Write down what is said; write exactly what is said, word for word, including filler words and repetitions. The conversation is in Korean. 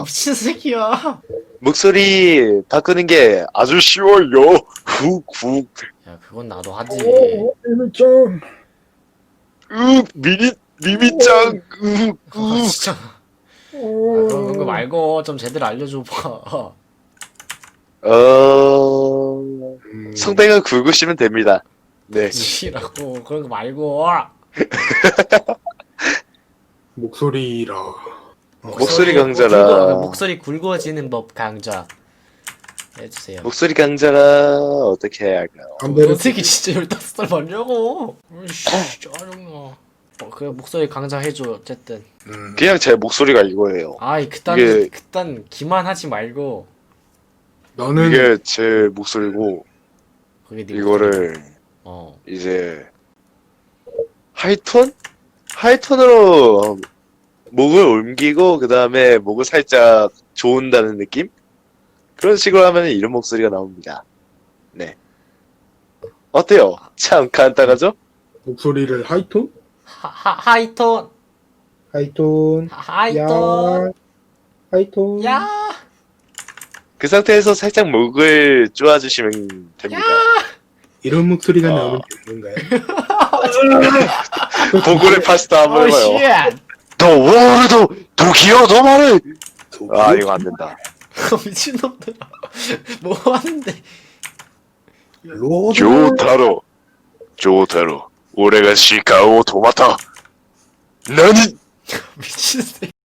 미친 새끼야. 목소리 바꾸는 게 아주 쉬워요. 훅훅. 야, 그건 나도 하지. 오, 일미짱. 으 미니 미미짱. 으 아, 으. 진짜. 아, 그럼 그런 거 말고 좀 제대로 알려줘봐. 어 음, 성대가 굵으시면 됩니다. 네. 지라고 그런 거 말고. 목소리라. 목소리 굵어- 강자라. 목소리 굵어지는 법 강좌 해주세요. 목소리 강자라 어떻게 해야 할까요? 담배를 어떻게 진짜 열다섯 살 맞냐고. 으이씨, 짜증나. 어, 그 목소리 강좌 해줘 어쨌든. 음, 그냥 제 목소리가 이거예요. 아이 그딴 이게- 그딴 기만하지 말고. 너는 이게 제 목소리고 그게 네 이거를 목소리야. 어. 이제 하이톤? 하이톤으로 목을 옮기고 그 다음에 목을 살짝 조은다는 느낌? 그런 식으로 하면 이런 목소리가 나옵니다. 네. 어때요? 참 간단하죠? 목소리를 하이톤? 하, 하 하이톤. 하이톤. 하- 하이톤. 야. 하이톤. 야. 그 상태에서 살짝 목을 쪼아주시면 됩니다. 이런 목소리가 아. 나오면 되는 건가요? 보글의 파스타 한번 어, 해봐요. 쉣. 더 워르도 도키요 더 말해. 아 이거 안 된다. 미친놈들아. 뭐 하는데. 로드. 조타로 조타로 올해가 시카오 도마타 나니 미친 새끼.